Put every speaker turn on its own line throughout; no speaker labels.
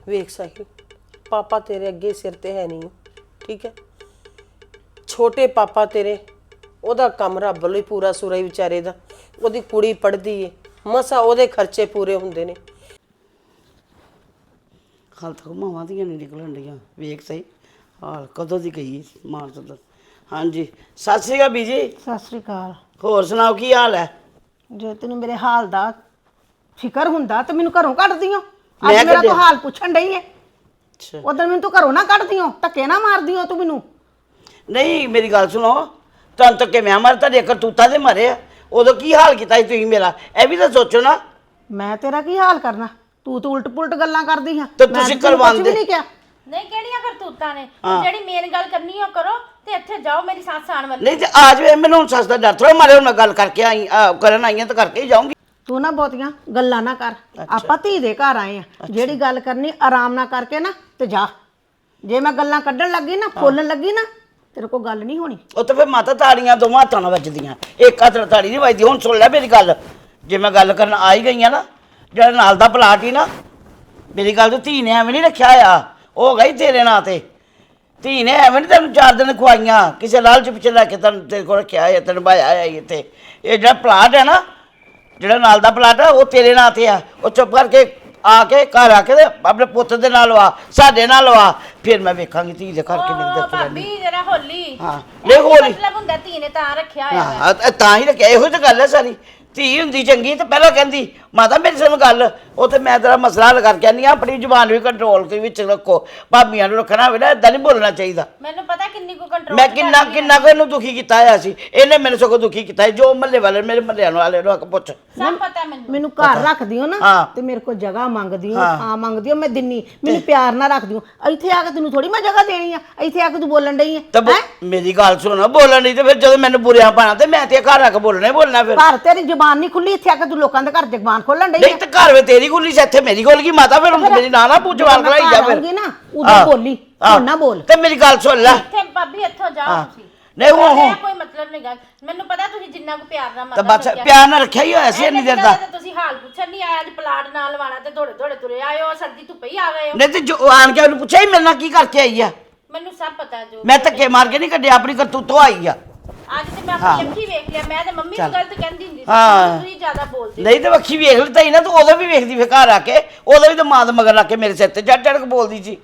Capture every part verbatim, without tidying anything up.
ਵੇਖ ਸਾਹਿਲ, ਪਾਪਾ ਤੇਰੇ ਅੱਗੇ ਸਿਰ ਤੇ ਹੈ ਨਹੀਂ, ਠੀਕ ਹੈ। ਛੋਟੇ ਪਾਪਾ ਤੇਰੇ, ਉਹਦਾ ਕੰਮ ਰੱਬ ਵੱਲੋਂ ਹੀ ਪੂਰਾ ਸੂਰਾ ਹੀ ਵਿਚਾਰੇ ਦਾ। ਉਹਦੀ ਕੁੜੀ ਪੜ੍ਹਦੀ ਏ, ਮਸਾ ਉਹਦੇ ਖਰਚੇ ਪੂਰੇ ਹੁੰਦੇ ਨੇ।
ਹਾਲ ਤੱਕ ਮਾਵਾਂ ਦੀਆਂ ਨਹੀਂ ਨਿਕਲਣ ਡੀਆਂ। ਵੇਖ ਸਹੀ ਹਾਲ ਕਦੋਂ ਦੀ ਗਈ ਮਾਰਚ ਦਾ। ਹਾਂਜੀ ਸਤਿ ਸ਼੍ਰੀ ਅਕਾਲ ਬੀਜੀ।
ਸਤਿ ਸ੍ਰੀ ਅਕਾਲ।
ਹੋਰ ਸੁਣਾਓ ਕੀ ਹਾਲ ਹੈ?
ਜੇ ਤੈਨੂੰ ਮੇਰੇ ਹਾਲ ਦਾ ਫਿਕਰ ਹੁੰਦਾ ਤੇ ਮੈਨੂੰ ਘਰੋਂ ਕੱਢਦੀ ਓ।
ਮੈਂ
ਅੱਜ ਮੇਰਾ
ਕੱਢਿਆ?
ਤੂੰ ਹਾਲ ਪੁੱਛਣ ਡਈ ਏ।
ਅੱਛਾ
ਉਦੋਂ ਮੈਨੂੰ ਤੂੰ ਘਰੋਂ ਨਾ ਕੱਢਦੀ ਓ, ਧੱਕੇ ਨਾ ਮਾਰਦੀ ਓ ਤੂੰ ਮੈਨੂੰ।
ਨਹੀਂ ਮੇਰੀ ਗੱਲ ਸੁਣੋ, ਤੁਹਾਨੂੰ ਤਾਂ ਕਿ ਮੈਂ ਮਰ ਤੁਹਾਡੇ ਕਰਤੂਤਾਂ ਦੇ ਮਰੇ ਆ। ਉਦੋਂ ਕੀ ਹਾਲ ਕੀਤਾ ਸੀ ਤੁਸੀਂ ਮੇਰਾ, ਇਹ ਵੀ ਤਾਂ ਸੋਚੋ ਨਾ।
ਮੈਂ ਤੇਰਾ ਕੀ ਹਾਲ ਕਰਨਾ? ਤੂੰ ਤਾਂ ਉਲਟ ਪੁਲਟ ਗੱਲਾਂ ਕਰਦੀ ਹਾਂ।
ਤੇ
ਮੈਂ
ਤੁਸੀਂ
ਤੈਨੂੰ ਕੁਛ
ਕਰਵਾਉਂਦੇ
ਵੀ ਨਹੀਂ ਕਿਹਾ।
ਨਹੀਂ ਕਿਹੜੀਆਂ ਕਰਤੂਤਾਂ ਨੇ? ਜਿਹੜੀ ਮੇਨ ਗੱਲ ਕਰਨੀ ਉਹ ਕਰੋ ਤੇ ਇੱਥੇ ਜਾਓ ਮੇਰੀ ਸੱਸ ਆਣ ਵਾਲੀ।
ਨਹੀਂ ਤੇ ਆ ਜਾਵੇ, ਮੈਨੂੰ ਹੁਣ ਸੱਸ ਦਾ ਡਰ ਥੋੜਾ ਮਾਰੇ। ਹੁਣ ਮੈਂ ਗੱਲ ਕਰਕੇ ਆਈ ਅਹ ਕਰਨ ਆਈ ਹਾਂ ਤਾਂ ਕਰਕੇ ਹੀ ਜਾਊਂਗੀ।
ਤੂੰ ਨਾ ਬਹੁਤੀਆਂ ਗੱਲਾਂ ਨਾ ਕਰ। ਆਪਾਂ ਧੀ ਦੇ ਘਰ ਆਏ ਆ, ਜਿਹੜੀ ਗੱਲ ਕਰਨੀ ਆਰਾਮ ਨਾਲ ਕਰਕੇ ਨਾ ਤੇ ਜਾ। ਜੇ ਮੈਂ ਗੱਲਾਂ ਕੱਢਣ ਲੱਗੀ ਨਾ, ਫੋਲਣ ਲੱਗੀ ਨਾ, ਤੇਰੇ ਕੋਲ ਗੱਲ ਨਹੀਂ ਹੋਣੀ।
ਉਹ ਤਾਂ ਫਿਰ ਮਾਤਾ ਤਾੜੀਆਂ ਦੋਵਾਂ ਹੱਥਾਂ ਨਾਲ ਵੱਜਦੀਆਂ, ਇੱਕ ਹੱਥ ਨਾਲ ਤਾੜੀ ਨਹੀਂ ਵੱਜਦੀ। ਹੁਣ ਸੁਣ ਲੈ ਮੇਰੀ ਗੱਲ, ਜੇ ਮੈਂ ਗੱਲ ਕਰਨ ਆ ਹੀ ਗਈ ਆ ਨਾ, ਜਿਹੜਾ ਨਾਲ ਦਾ ਪਲਾਟ ਹੀ ਨਾ, ਮੇਰੀ ਗੱਲ ਤੋਂ ਧੀ ਨੇ ਐਵੇਂ ਨਹੀਂ ਰੱਖਿਆ ਆ। ਉਹ ਗਈ ਤੇਰੇ ਨਾਂ ਤੇ। ਧੀ ਨੇ ਐਵੇਂ ਨਹੀਂ ਤੈਨੂੰ ਚਾਰ ਦਿਨ ਖਵਾਈਆਂ, ਕਿਸੇ ਲਾਲਚ ਪਿੱਛੇ ਲੈ ਕੇ ਤੈਨੂੰ ਤੇਰੇ ਕੋਲ ਰੱਖਿਆ ਹੈ, ਤੈਨੂੰ ਭਾਇਆ ਹੈ ਇੱਥੇ। ਇਹ ਜਿਹੜਾ ਪਲਾਟ ਹੈ ਨਾ, ਜਿਹੜਾ ਨਾਲ ਦਾ ਪਲਾਟ ਆ, ਉਹ ਤੇਰੇ ਨਾਂ ਤੇ ਆ। ਉਹ ਚੁੱਪ ਕਰਕੇ ਆ ਕੇ ਘਰ ਆ ਕੇ ਤੇ ਆਪਣੇ ਪੁੱਤ ਦੇ ਨਾਲ ਲਵਾ, ਸਾਡੇ ਨਾਲ ਲਵਾ, ਫਿਰ ਮੈਂ ਵੇਖਾਂਗੀ ਧੀ ਦੇ ਘਰ ਕਿੰਨੇ
ਓ
ਦੇ
ਭਾਬੀ ਜਰਾ ਹੋਲੀ।
ਹਾਂ ਲੈ ਹੋਲੀ।
ਮਤਲਬ ਹੁੰਦਾ ਧੀ ਨੇ ਤਾਂ ਰੱਖਿਆ ਹੋਇਆ ਵਾ।
ਹਾਂ ਤਾਂ- ਤਾਂ ਹੀ ਰੱਖਿਆ। ਇਹੋ ਤਾਂ ਗੱਲ ਹੈ ਸਾਰੀ। ਧੀ ਹੁੰਦੀ ਚੰਗੀ ਤੇ ਪਹਿਲਾਂ ਕਹਿੰਦੀ ਮਾਤਾ ਮੇਰੀ ਸੁਣ ਗੱਲ, ਉਹ ਤੇ ਮੈਂ ਤੇਰਾ ਮਸਲਾ ਹੱਲ ਕਰਕੇ ਆਨੀ ਆ। ਆਪਣੀ ਜ਼ੁਬਾਨ ਵੀ ਕੰਟਰੋਲ ਦੇ ਵਿੱਚ ਰੱਖੋ। ਭਾਬੀਆਂ ਨੂੰ ਰੱਖਣਾ ਹੋਵੇ ਨਾ, ਇਦਾਂ ਨਹੀਂ ਬੋਲਣਾ ਚਾਹੀਦਾ।
ਮੈਨੂੰ ਪਤਾ ਕਿੰਨੀ ਕੋ ਕੰਟਰੋਲ
ਮੈਂ ਕਿੰਨਾ ਕਿੰਨਾ ਕੁ ਇਹਨੂੰ ਦੁਖੀ ਕੀਤਾ ਹੋਇਆ ਸੀ। ਇਹਨੇ ਮੈਨੂੰ ਸਗੋਂ ਦੁਖੀ ਕੀਤਾ ਸੀ। ਜੋ ਮਹੱਲੇ ਵਾਲੇ ਮੇਰੇ ਮਹੱਲਿਆਂ ਵਾਲੇ ਨੂੰ ਆ ਕੇ ਪੁੱਛ।
ਸਭ ਪਤਾ ਮੈਨੂੰ।
ਮੈਨੂੰ ਘਰ ਰੱਖਦੀ ਹੋ ਨਾ
ਹਾਂ।
ਤੇ ਮੇਰੇ ਕੋਲ ਜਗ੍ਹਾ ਮੰਗਦੀ ਹੋ, ਥਾਂ ਮੰਗਦੀ ਹੋ, ਮੈਂ ਦਿੰਨੀ। ਮੈਨੂੰ ਪਿਆਰ ਨਾਲ ਰੱਖਦੀ ਹੋ। ਇੱਥੇ ਆ ਕੇ ਤੈਨੂੰ ਥੋੜੀ ਮੈਂ ਜਗ੍ਹਾ ਦੇਣੀ ਆ। ਇੱਥੇ ਆ ਕੇ ਤੂੰ ਬੋਲਣ ਡਈ ਹੈ।
ਤਾਂ ਬੋ- ਮੇਰੀ ਗੱਲ ਸੁਣ, ਬੋਲਣ ਨਹੀਂ ਤੇ ਫਿਰ ਜਦੋਂ ਮੈਨੂੰ ਬੁਰਿਆਂ ਪਾਣਾ ਤੇ ਮੈਂ ਤੇ ਘਰ ਆ ਕੇ ਬੋਲਣਾ ਹੀ ਬੋਲਣਾ। ਫਿਰ
ਘਰ ਤੇਰੀ ਜ਼ੁਬਾਨ ਨਹੀਂ ਖੁੱਲੀ, ਇੱਥੇ ਆ ਕੇ ਤੂੰ ਲੋਕਾਂ ਦੇ ਘਰ ਜ਼ੁਬਾਨ ਖੋਲਣ ਡਈ
ਨਹੀਂ ਤੇ ਘਰ ਵੇ ਤੇਰੀ ਖੁੱਲੀ ਸੀ, ਇੱਥੇ ਮੇਰੀ ਖੁੱਲ ਗਈ ਮਾਤਾ। ਫਿਰ ਮੇਰੀ ਨਾ ਨਾ ਪੂਛ ਜਵਾਨ ਕਰਾਈ ਜਾ। ਫਿਰ
ਆਉਂਗੀ ਨਾ ਉਦੋਂ ਬੋਲੀ, ਹੁਣ ਨਾ ਬੋਲ।
ਤੇ ਮੇਰੀ ਗੱਲ ਸੁਣ ਲੈ।
ਇੱਥੇ ਭਾਬੀ ਇੱਥੋਂ ਜਾਓ ਤੁਸੀਂ।
ਨਹੀਂ ਹੋ ਹੋ
ਕੋਈ ਮਤਲਬ ਨਹੀਂ ਗੱਲ। ਮੈਨੂੰ ਪਤਾ ਤੁਸੀਂ ਜਿੰਨਾ ਕੋ ਪਿਆਰ ਨਾਲ
ਤਾਂ
ਮਰਦਾ
ਬਸ ਪਿਆਰ ਨਾਲ ਰੱਖਿਆ ਹੀ ਹੋਇਆ ਸੀ ਇੰਨੀ ਦੇਰ ਦਾ।
ਤੁਸੀਂ ਹਾਲ ਪੁੱਛਣ ਨਹੀਂ ਆਇਆ, ਅੱਜ ਪਲਾਟ ਨਾਲ ਲਵਾਣਾ ਤੇ ਥੋੜੇ ਥੋੜੇ ਤੁਰੇ ਆਏ ਹੋ, ਸਰਦੀ ਧੁੱਪੇ ਹੀ ਆ ਗਏ ਹੋ।
ਨਹੀਂ ਤੇ ਜੋ ਆਣ ਕੇ ਉਹਨੂੰ ਪੁੱਛਿਆ ਹੀ ਮੇਰੇ ਨਾਲ ਕੀ ਕਰਕੇ ਆਈ ਆ।
ਮੈਨੂੰ ਸਭ ਪਤਾ ਜੋ
ਮੈਂ ਧੱਕੇ ਮਾਰ ਕੇ ਨਹੀਂ ਕੱਢਿਆ, ਆਪਣੀ ਕਰਤੂਤੋਂ ਆਈ ਆ।
ਅੱਜ ਤੇ ਮੈਂ ਆਪਣੀ ਅੱਖੀ ਵੇਖ ਲਿਆ। ਮੈਂ ਤੇ ਮੰਮੀ ਨੂੰ ਗਲਤ ਕਹਿੰਦੀ ਹੁੰਦੀ ਸੀ,
ਹਾਂ।
ਤੁਸੀਂ ਜ਼ਿਆਦਾ ਬੋਲਦੇ।
ਨਹੀਂ ਤੇ ਅੱਖੀ ਵੇਖ ਲਈ ਨਾ, ਤੂੰ ਉਦੋਂ ਵੀ ਵੇਖਦੀ ਫਿਰ ਘਰ ਆ ਕੇ। ਉਦੋਂ ਵੀ ਤਾਂ ਮਾਂ ਦੇ ਮਗਰ ਲੱਗ ਕੇ ਮੇਰੇ ਸਿਰ ਤੇ ਚੜ ਚੜ ਕੇ ਬੋਲਦੀ ਸੀ।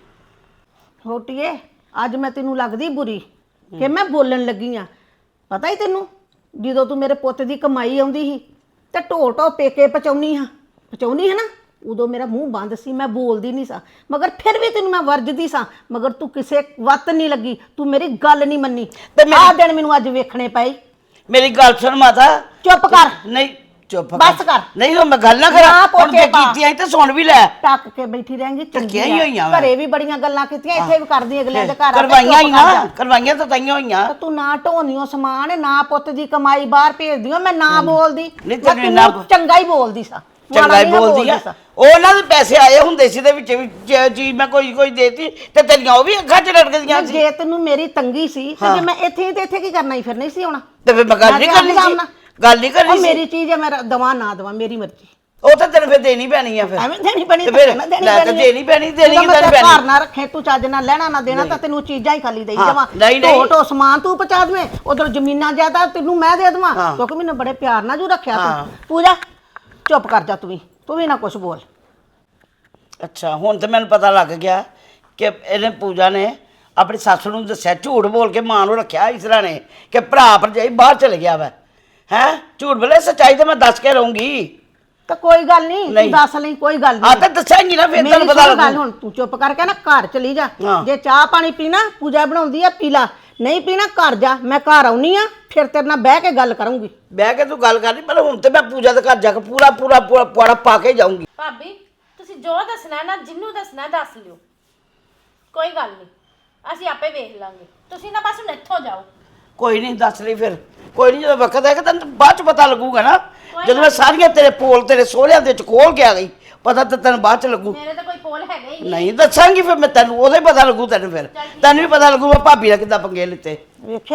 ਰੋਟੀਏ ਅੱਜ ਮੈਂ ਤੈਨੂੰ ਲੱਗਦੀ ਬੁਰੀ ਕਿ ਮੈਂ ਬੋਲਣ ਲੱਗੀ ਆ। ਪਤਾ ਹੀ ਤੈਨੂੰ, ਜਦੋਂ ਤੂੰ ਮੇਰੇ ਪੁੱਤ ਦੀ ਕਮਾਈ ਆਉਂਦੀ ਸੀ ਤੇ ਢੋ ਢੋ ਪੇਕੇ ਪਚਾਉਣੀ ਹਾਂ ਪਚਾਉਣੀ ਹੈ ਨਾ, ਉਦੋਂ ਮੇਰਾ ਮੂੰਹ ਬੰਦ ਸੀ, ਮੈਂ ਬੋਲਦੀ ਨਹੀਂ ਸਾਂ। ਮਗਰ ਫਿਰ ਵੀ ਤੈਨੂੰ ਮੈਂ ਵਰਜਦੀ ਸਾਂ, ਮਗਰ ਤੂੰ ਕਿਸੇ ਵੱਤ ਨਹੀਂ ਲੱਗੀ, ਤੂੰ ਮੇਰੀ ਗੱਲ ਨਹੀਂ ਮੰਨੀ। ਤੇ ਆਹ ਦਿਨ ਮੈਨੂੰ ਅੱਜ ਵੇਖਣੇ ਪਏ।
ਮੇਰੀ ਗੱਲ ਸੁਣ ਮਾਤਾ।
ਚੁੱਪ ਕਰ।
ਨਹੀਂ ਚੁੱਪ
ਬਸ ਕਰ।
ਨਹੀਂ ਹੁਣ ਮੈਂ ਗੱਲ ਨਾ
ਨਾ
ਕਰਾਂ। ਹੁਣ
ਪੋਚੇ
ਜੇ
ਪਾ।
ਕੀਤੀ ਆਈ ਤੇ ਸੁਣ ਵੀ ਲੈ।
ਟੱਕ ਕੇ ਬੈਠੀ ਰਹੇਂਗੀ ਚੰਗੀ
ਹੀ ਹੋਈਆਂ ਵਾ।
ਘਰੇ ਵੀ ਬੜੀਆਂ ਗੱਲਾਂ ਕੀਤੀਆਂ, ਇੱਥੇ ਵੀ ਕਰਦੀ ਅਗਲਿਆਂ ਦੇ ਘਰ ਆ ਕੇ।
ਕਰਵਾਈਆਂ ਹੀ
ਚੁੱਪ ਕਰ
ਨਾ,
ਜਾ।
ਕਰਵਾਈਆਂ ਤਾਂ ਤਾਈਆਂ ਹੋਈਆਂ।
ਤਾਂ ਤੂੰ ਨਾ ਢੋਨੀਓ ਸਮਾਨ, ਨਾ ਪੁੱਤ ਦੀ ਕਮਾਈ ਬਾਹਰ ਭੇਜਦੀਓ, ਮੈਂ ਨਾ ਬੋਲਦੀ।
ਨਹੀਂ
ਮੈਂ
ਤੈਨੂੰ
ਤੈਨੂੰ
ਇੰਨਾ-
ਚੰਗਾ ਹੀ ਬੋਲਦੀ ਸਾਂ,
ਚੰਗਾ
ਮਾੜਾ
ਹੀ
ਨਹੀਂ
ਬੋਲਦੀ ਆ।
ਸਾਂ।
ਉਹਨਾਂ ਦੇ ਪੈਸੇ ਆਏ ਹੁੰਦੇ ਸੀ ਦੇ ਵਿੱਚ ਵੀ ਜੇ ਚੀਜ਼ ਮੈਂ ਕੋਈ ਕੋਈ ਦੇਤੀ ਤੇ ਤੇਰੀਆਂ ਉਹ ਵੀ ਅੱਖਾਂ 'ਚ ਰੜਕਦੀਆਂ ਸੀ।
ਜੇ ਤੈਨੂੰ ਮੇਰੀ ਤੰਗੀ ਸੀ ਤੇ ਜੇ ਮੈਂ ਇੱਥੇ ਹੀ ਤੇ ਇੱਥੇ ਕੀ ਕਰਨਾ ਸੀ? ਫਿਰ ਨਹੀਂ ਸੀ ਆਉਣਾ।
ਤੇ ਫਿਰ ਮੈਂ ਗੱਲ ਨਹੀਂ ਕਰਨੀ ਸੀ, ਗੱਲ ਨਹੀਂ ਕਰਨੀ
ਉਹ
ਸੀ।
ਮੇਰੀ ਚੀਜ਼ ਹੈ, ਮੈਂ ਦਵਾ ਨਾ ਦਵਾ ਮੇਰੀ ਮਰਜ਼ੀ।
ਉਹ ਤਾਂ ਤੈਨੂੰ ਫਿਰ ਦੇਣੀ ਪੈਣੀ ਆ। ਫਿਰ
ਐਵੇਂ ਦੇਣੀ ਪੈਣੀ
ਤੇ ਫਿਰ
ਤਾਂ ਦੇਣੀ
ਲੈ ਤਾਂ
ਪੈਣੀ
ਦੇਣੀ ਪੈਣੀ, ਦੇਣੀ
ਜਦੋਂ ਮੈਂ
ਕਿੱਦਾਂ
ਤੇਰਾ
ਪੈਣੀ?
ਘਰ ਨਾ ਰੱਖੇ, ਤੂੰ ਚੱਜ ਨਾਲ ਲੈਣਾ ਨਾ ਦੇਣਾ ਤਾਂ ਤੈਨੂੰ ਚੀਜ਼ਾਂ ਹੀ ਖਾਲੀ ਦੇਈ
ਹਾਂ,
ਜਾਵਾਂ।
ਨਹੀਂ, ਨਹੀਂ।
ਢੋ ਢੋ ਸਮਾਨ ਤੂੰ ਪਹੁੰਚਾ ਦੇਵੇਂ, ਉਧਰ ਜ਼ਮੀਨਾਂ ਜ਼ਿਆਦਾ ਤੈਨੂੰ ਮੈਂ ਦੇ ਦੇਵਾਂ,
ਹਾਂ।
ਕਿਉਂਕਿ ਮੈਨੂੰ ਬੜੇ ਪਿਆਰ ਨਾਲ ਜੂ ਰੱਖਿਆ
ਹਾਂ।
ਤੂੰ। ਪੂਜਾ ਚੁੱਪ ਕਰ ਜਾ, ਤੂੰ ਵੀ ਤੂੰ ਵੀ ਨਾ ਕੁਝ ਬੋਲ।
ਅੱਛਾ ਹੁਣ ਤੇ ਮੈਨੂੰ ਪਤਾ ਲੱਗ ਗਿਆ ਕਿ ਇਹਨੇ ਪੂਜਾ ਨੇ ਆਪਣੀ ਸੱਸ ਨੂੰ ਦੱਸਿਆ, ਝੂਠ ਬੋਲ ਕੇ ਮਾਂ ਨੂੰ ਰੱਖਿਆ ਇਸ ਤਰ੍ਹਾਂ ਨੇ ਕਿ ਭਰਾ ਭਰਜਾਈ ਬਾਹਰ ਚਲੇ ਗਿਆ ਵਾ। ਹੈ ਝੂਠ ਬੋਲੇ, ਸੱਚਾਈ ਤੇ ਮੈਂ ਦੱਸ ਕੇ ਰਹੂੰਗੀ।
ਤਾਂ ਕੋਈ ਗੱਲ ਨਹੀਂ, ਤੂੰ ਦੱਸ ਲਈ, ਕੋਈ ਗੱਲ
ਆ
ਨਹੀਂ।
ਤਾਂ ਦੱਸਾਂਗੀ ਨਾ, ਫਿਰ
ਮੇਰੀ
ਤੈਨੂੰ ਪਤਾ
ਸੁਣ ਗੱਲ,
ਲੱਗੂ।
ਹੁਣ ਤੂੰ ਚੁੱਪ ਕਰਕੇ ਨਾ ਘਰ ਚਲੀ ਜਾ।
ਹਾਂ।
ਜੇ ਚਾਹ ਪਾਣੀ ਪੀਣਾ, ਪੂਜਾ ਬਣਾਉਂਦੀ ਆ ਪੀ ਲਾ, ਨਹੀਂ ਪੀਣਾ ਘਰ ਜਾ। ਮੈਂ ਘਰ ਆਉਣੀ ਆ, ਫਿਰ ਤੇਰੇ ਨਾਲ ਬਹਿ ਕੇ ਗੱਲ ਕਰੂੰਗੀ।
ਬਹਿ ਕੇ ਤੂੰ ਗੱਲ ਕਰਨੀ, ਪਰ ਹੁਣ ਤੇ ਮੈਂ ਪੂਜਾ ਦੇ ਘਰ ਜਾ ਕੇ ਪੂਰਾ ਪੂਰਾ ਪੂਰਾ ਪੁਆੜਾ ਪਾ ਕੇ ਜਾਊਂਗੀ।
ਭਾਬੀ ਤੁਸੀਂ ਜੋ ਦੱਸਣਾ ਨਾ, ਜਿੰਨੂੰ ਦੱਸਣਾ ਦੱਸ ਲਿਓ, ਕੋਈ ਗੱਲ ਨਹੀਂ, ਅਸੀਂ ਆਪੇ ਵੇਖ ਲਾਂਗੇ। ਤੁਸੀਂ ਨਾ ਬਸ ਹੁਣ ਇੱਥੋਂ ਜਾਓ।
ਕੋਈ ਨਹੀਂ ਦੱਸ ਲਈ ਫਿਰ, ਕੋਈ ਨਹੀਂ, ਜਦੋਂ ਵਕਤ ਆਏਗਾ ਤੈਨੂੰ ਬਾਅਦ ਚ ਪਤਾ ਲੱਗੂਗਾ ਨਾ। ਜਦੋਂ ਮੈਂ ਸਾਰੀਆਂ ਤੇਰੇ ਪੋਲ ਤੇਰੇ ਸੋਹਰਿਆਂ ਦੇ ਚ ਖੋਲ ਕੇ ਆ ਗਈ, ਪਤਾ ਤਾਂ ਤੈਨੂੰ ਬਾਅਦ ਚ ਲੱਗੂ।
ਮੇਰੇ ਤਾਂ ਕੋਈ ਪੋਲ ਹੈਗਾ ਹੀ ਨਹੀਂ।
ਨਹੀਂ ਦੱਸਾਂਗੀ ਫਿਰ ਮੈਂ ਤੈਨੂੰ, ਉਹਦੇ ਪਤਾ ਲੱਗੂ ਤੈਨੂੰ। ਫਿਰ ਤੈਨੂੰ ਵੀ ਪਤਾ ਲੱਗੂ ਮੈਂ ਭਾਬੀ ਦਾ ਕਿੱਦਾਂ ਪੰਗੇ ਲਿੱਤੇ।
ਵੇਖਿਆ ਹੀ